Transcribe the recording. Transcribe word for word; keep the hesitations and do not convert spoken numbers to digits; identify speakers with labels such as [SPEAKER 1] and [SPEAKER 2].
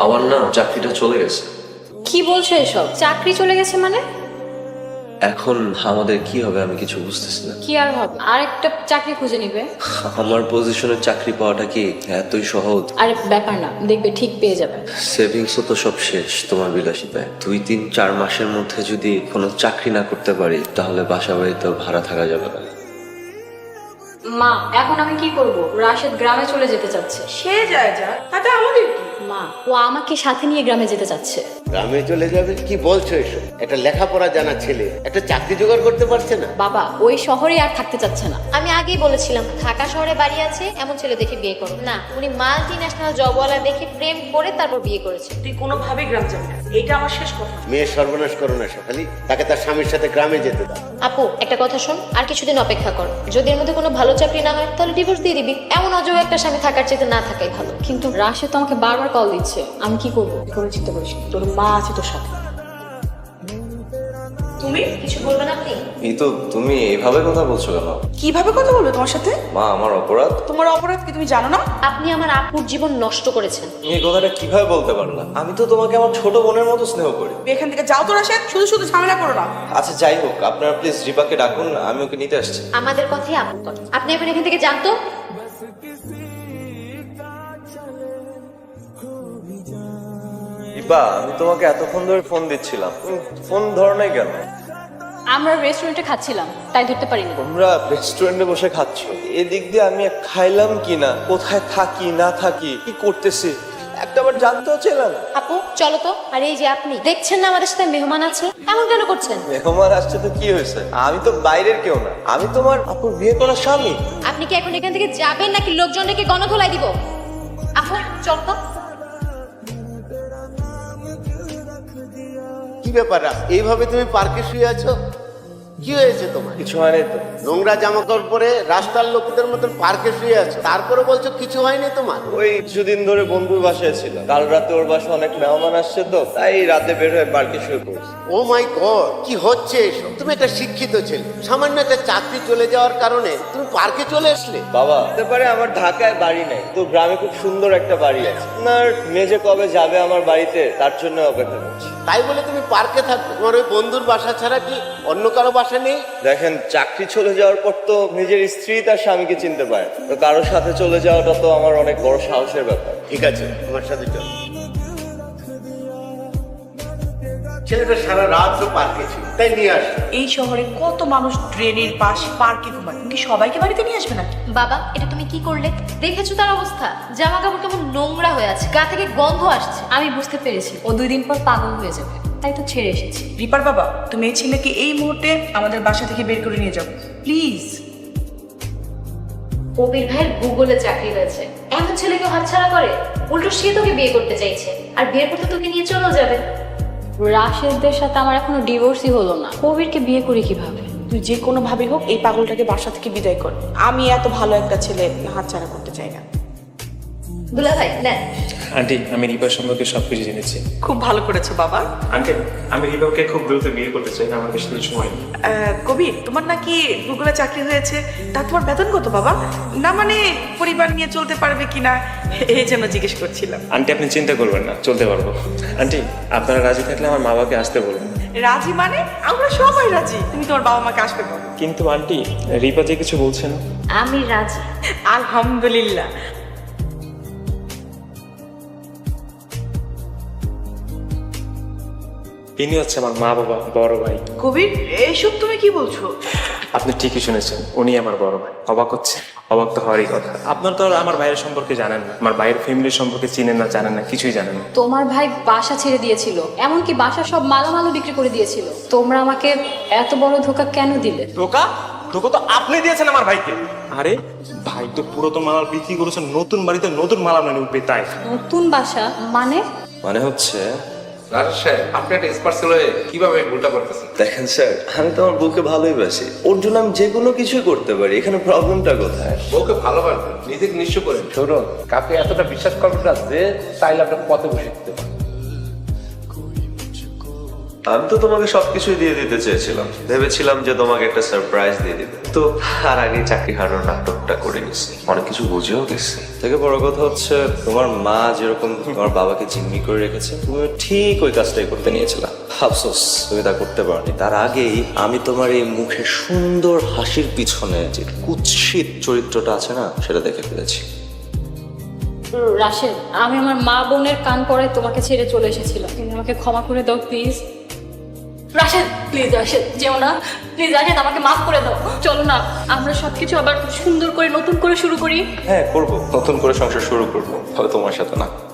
[SPEAKER 1] আমার না চাকরিটা চলে গেছে।
[SPEAKER 2] কি বলছো এসব? চাকরি চলে গেছে মানে?
[SPEAKER 1] এখন আমাদের কি হবে আমি কিছু বুঝতেছি না।
[SPEAKER 2] কি আর হবে, আরেকটা চাকরি খুঁজে নিবে।
[SPEAKER 1] আমার পজিশনের চাকরি পাওয়াটা কি এতই সহজ?
[SPEAKER 2] আরে ব্যাপার না, দেখবে ঠিক পেয়ে যাবে।
[SPEAKER 1] সেভিংসও তো সব শেষ তোমার বিলাসিতায়। দুই তিন চার মাসের মধ্যে যদি কোনো চাকরি না করতে পারি তাহলে বাসা বাড়িতে ভাড়া থাকা যাবে না।
[SPEAKER 2] মা, এখন আমি কি করব? রাশেদ গ্রামে চলে যেতে চাচ্ছে।
[SPEAKER 3] সে যায় যা, তাতে আমাদের কি?
[SPEAKER 2] মা, ও আমাকে সাথে নিয়ে গ্রামে যেতে চাচ্ছে।
[SPEAKER 4] গ্রামে চলে যাবে? কি বলছো এসব? একটা লেখাপড়া জানা ছেলে একটা চাকরি জোগাড় করতে পারছে না?
[SPEAKER 2] বাবা, ওই শহরে আর থাকতে চাচ্ছে না।
[SPEAKER 5] আমি আগেই বলেছিলাম ঢাকা শহরে বাড়ি আছে এমন ছেলে দেখে বিয়ে করো না। উনি মাল্টি ন্যাশনাল জবওয়ালা দেখে প্রেম করে তারপর বিয়ে করেছে।
[SPEAKER 3] তুই কোনোভাবেই গ্রাম যাবি না, এইটা আমার শেষ কথা।
[SPEAKER 4] মেয়ের সর্বনাশ করো না সকালে, তাকে তার স্বামীর সাথে গ্রামে যেতে দাও।
[SPEAKER 5] আপু একটা কথা শোন, আর কিছুদিন অপেক্ষা কর। যদি এর মধ্যে কোনো ভালো চাকরি না হয় তাহলে ডিভোর্স দিয়ে দিবি। এমন অযোগ্য একটা স্বামী থাকার চাইতে না থাকাই ভালো।
[SPEAKER 2] কিন্তু রাশেদ তো আমাকে বারবার কল দিচ্ছে, আমি কি করব?
[SPEAKER 3] কোনো চিন্তা করিস না, তোর মা আছে তোর সাথে। তুমি
[SPEAKER 5] কিছু বলবেন আপনি?
[SPEAKER 1] এই তো তুমি এইভাবে কথা বলছো কেন?
[SPEAKER 3] কিভাবে কথা বলবে তোমার সাথে?
[SPEAKER 1] মা, আমার অপরাধ।
[SPEAKER 3] তোমার অপরাধ কি তুমি জানো না?
[SPEAKER 5] আপনি আমার আপুর জীবন নষ্ট করেছেন।
[SPEAKER 1] তুমি এই কথাটা কিভাবে বলতে পারলা? আমি তো তোমাকে আমার ছোট বোনের মতো স্নেহ করি।
[SPEAKER 3] তুমি এখান থেকে যাও তো রাশেদ, শুধু শুধু ঝামেলা করো না।
[SPEAKER 1] আচ্ছা যাই হোক, আপনারা প্লিজ রিপাকে ডাকুন, আমি ওকে নিতে আসছি।
[SPEAKER 5] আমাদের কথাই আপু কর। আপনি এখন এখান থেকে জানতো।
[SPEAKER 1] রিপা, আমি তোমাকে এতক্ষণ ধরে ফোন দিচ্ছিলাম, ফোন ধরো নাই কেন?
[SPEAKER 2] আমরা রেস্টুরেন্টে খাচ্ছিলাম, তাই ধরতে পারিনি।
[SPEAKER 1] তোমরা রেস্টুরেন্টে বসে খাচ্ছ, এদিক দিয়ে আমি খাইলাম কি না, কোথায় থাকি না থাকি, কি করতেছি একটাবার জানতেও ছিল না।
[SPEAKER 5] আপু চলো তো। আর এই যে আপনি দেখছেন না আমাদের সাথে মেহমান আছে, এমন কেন করছেন?
[SPEAKER 1] মেহমান আসছে তো কি হয়েছে? আমি তো বাইরের কেউ না, আমি তোমার আপুর বিয়ে করা স্বামী।
[SPEAKER 5] আপনি কি এখন এখান থেকে যাবেন নাকি লোকজন ডেকে গণধোলাই দিব? আপু চল তো।
[SPEAKER 4] কি ব্যাপার রাস, এইভাবে তুমি পার্কে শুয়ে আছো? কি হয়েছে তোমার?
[SPEAKER 1] কিছু হয়নি তো।
[SPEAKER 4] নোংরা জামা কাপড় পরে রাস্তার লোকদের মতন পার্কে শুয়ে আছো, তারপরে বলছো কিছু হয়নি তোমার?
[SPEAKER 1] ওই কিছুদিন ধরে বন্ধুর বাসায় ছিল, কাল রাতে ওর বাসায় অনেক মেহমান আসছে তো, তাই রাতে বের হয়ে পার্কে শুয়ে পড়ছি।
[SPEAKER 4] ও মাই গড, কি হচ্ছে এসব? তুমি একটা শিক্ষিত ছেলে, সামান্য একটা চাকরি চলে যাওয়ার কারণে তুমি পার্কে চলে আসলে?
[SPEAKER 1] বাবা, হতে পারে আমার ঢাকায় বাড়ি নাই, তো গ্রামে খুব সুন্দর একটা বাড়ি আছে। আপনার মেজে কবে যাবে আমার বাড়িতে, তার জন্য অপেক্ষা করছি।
[SPEAKER 4] তাই বলে তুমি পার্কে থাকবে? তোমার ওই বন্ধুর বাসা ছাড়া কি অন্য কারো বাসা নেই?
[SPEAKER 1] দেখেন, চাকরি চলে যাওয়ার পর তো নিজের স্ত্রী তার স্বামীকে চিনতে পারে, তো কারোর সাথে চলে যাওয়াটা তো আমার অনেক বড় সাহসের ব্যাপার।
[SPEAKER 4] ঠিক আছে, তোমার সাথে চল। ছেলেটা সারা রাত তো পার্কে ছিল, তাই নিয়ে আসো।
[SPEAKER 3] এই শহরে কত মানুষ ড্রেনের পাশ পার্কে ঘুমায়, তুমি কি সবাইকে বাড়িতে নিয়ে আসবে না?
[SPEAKER 5] বাবা এটা তুমি কি করলে? দেখেছো তার অবস্থা, জামা কাপড় কেমন নোংরা হয়ে আছে, গা থেকে গন্ধ আসছে।
[SPEAKER 2] আমি বুঝতে পেরেছি ও দুই দিন পর পাগল হয়ে যাবে, তাই তো ছেড়ে এসেছি।
[SPEAKER 3] রিপার বাবা, তুমি এই ছেলেকে এই মুহূর্তে আমাদের বাসা থেকে বের করে নিয়ে যাও প্লিজ।
[SPEAKER 5] কবির ভাইয়ের গুগলে চাকরি হয়েছে, এমন ছেলেকে হাতছাড়া করে? উল্টো সে তোকে বিয়ে করতে চাইছে, আর বিয়ের পর তো তোকে নিয়ে চলেও যাবে।
[SPEAKER 2] রাশেদদের সাথে আমার এখনো ডিভোর্সই হলো না, কবিরকে বিয়ে করি কিভাবে?
[SPEAKER 3] তুই যে কোনো ভাবে হোক এই পাগলটাকে বাসা থেকে বিদায় কর। আমি এত ভালো একটা ছেলে হাতছাড়া করতে চাই না।
[SPEAKER 5] দুলা ভাই নেন।
[SPEAKER 6] আন্টি, আমি রিপার সম্পর্কে সবকিছু জেনেছি।
[SPEAKER 3] খুব ভালো করেছো বাবা।
[SPEAKER 6] আন্টি, আমি রিপাকে খুব দ্রুত বিয়ে করতে চাই, আমার বেশি কিছু সময় নেই।
[SPEAKER 3] আহ, কবির, তোমার নাকি গুগলে চাকরি হয়েছে, তা তোমার বেতন কত বাবা? না মানে পরিবার নিয়ে চলতে পারবে কিনা এই জন্য জিজ্ঞেস করছিলাম।
[SPEAKER 6] আন্টি আপনি চিন্তা করবেন না, চলতে পারবো। আন্টি, আপনারা রাজি থাকলে আমার মা বাবাকে আসতে বলুন।
[SPEAKER 3] রাজি মানে? আমরা সবাই রাজি, তুমি তোমার বাবা মাকে আসবে বলো।
[SPEAKER 6] কিন্তু আন্টি, রিপা যে কিছু বলছেন।
[SPEAKER 5] আমি রাজি।
[SPEAKER 3] আলহামদুলিল্লাহ।
[SPEAKER 6] ইনি হচ্ছে আমার মা বাবা, বড় ভাই।
[SPEAKER 3] কবির, এইসব তুমি কি বলছো?
[SPEAKER 6] আপনি ঠিকই শুনেছেন, উনি আমার বড় ভাই। অবাক হচ্ছে? অবাক তো হওয়ারই কথা। আপনার তো আর আমার ভাইয়ের সম্পর্কে জানেন না, আমার ভাইয়ের ফ্যামিলির সম্পর্কে চিনেন না, জানেন না, কিছুই জানেন না।
[SPEAKER 2] তোমার ভাই বাসা ছেড়ে দিয়েছিল, এমনকি বাসা সব মালামালও বিক্রি করে দিয়েছিল। তোমরা আমাকে এত বড় ধোকা কেন দিলে?
[SPEAKER 7] ধোকা? ধোকা তো আপনি দিয়েছেন আমার ভাইকে।
[SPEAKER 6] আরে ভাই তো পুরাতন মালাল বিক্রি করেছেন, নতুন বাড়িতে নতুন মালাল মানে উঠবে, তাই।
[SPEAKER 2] নতুন বাসা মানে?
[SPEAKER 1] মানে হচ্ছে,
[SPEAKER 7] রাজেশ সাহেব, আপনি একটা স্পার্সেল হয়ে কিভাবে ভুলটা করতেছেন?
[SPEAKER 1] দেখেন স্যার, আমি তো আমার বউকে ভালোই বাসি, ওর জন্য আমি যে কোনো কিছুই করতে পারি, এখানে প্রবলেমটা কোথায়?
[SPEAKER 7] বউকে ভালোবাসবেন, নিজেকে নিঃস্ব করেন। শুনুন, কাকে এতটা বিশ্বাস করবেন না যে চাইলে আপনাকে পথে বসে দিতে পারেন।
[SPEAKER 1] আমি তো তোমাকে সবকিছুই দিয়ে দিতে চেয়েছিলাম, ভেবেছিলাম যে তোমাকে একটা সারপ্রাইজ দিয়ে দিবে, তো আর আগে চাকরি হারানোর নাটকটা করে গেছি, অনেক কিছু বুঝেও গেছি। থেকে বড় কথা হচ্ছে তোমার মা যেরকম তোমার বাবাকে জিম্মি করে রেখেছে, তুমি ঠিক ওই কাজটাই করতে নিয়েছিলাম। আফসোস তুমি তা করতে পারোনি। তার আগেই আমি তোমার এই মুখে সুন্দর হাসির পিছনে যে কুৎসিত চরিত্রটা আছে না, সেটা দেখে ফেলেছি।
[SPEAKER 2] রাশেদ, আমি আমার মা বোনের কান পড়ে তোমাকে ছেড়ে চলে এসেছিলাম, তুমি আমাকে ক্ষমা করে দাও প্লিজ। রাশেদ প্লিজ, রাশেদ যেও না প্লিজ, রাশেদ আমাকে মাফ করে দাও। চলো না আমরা সবকিছু আবার সুন্দর করে নতুন করে শুরু করি।
[SPEAKER 6] হ্যাঁ করবো, নতুন করে সংসার শুরু করবো, তবে তোমার সাথে না।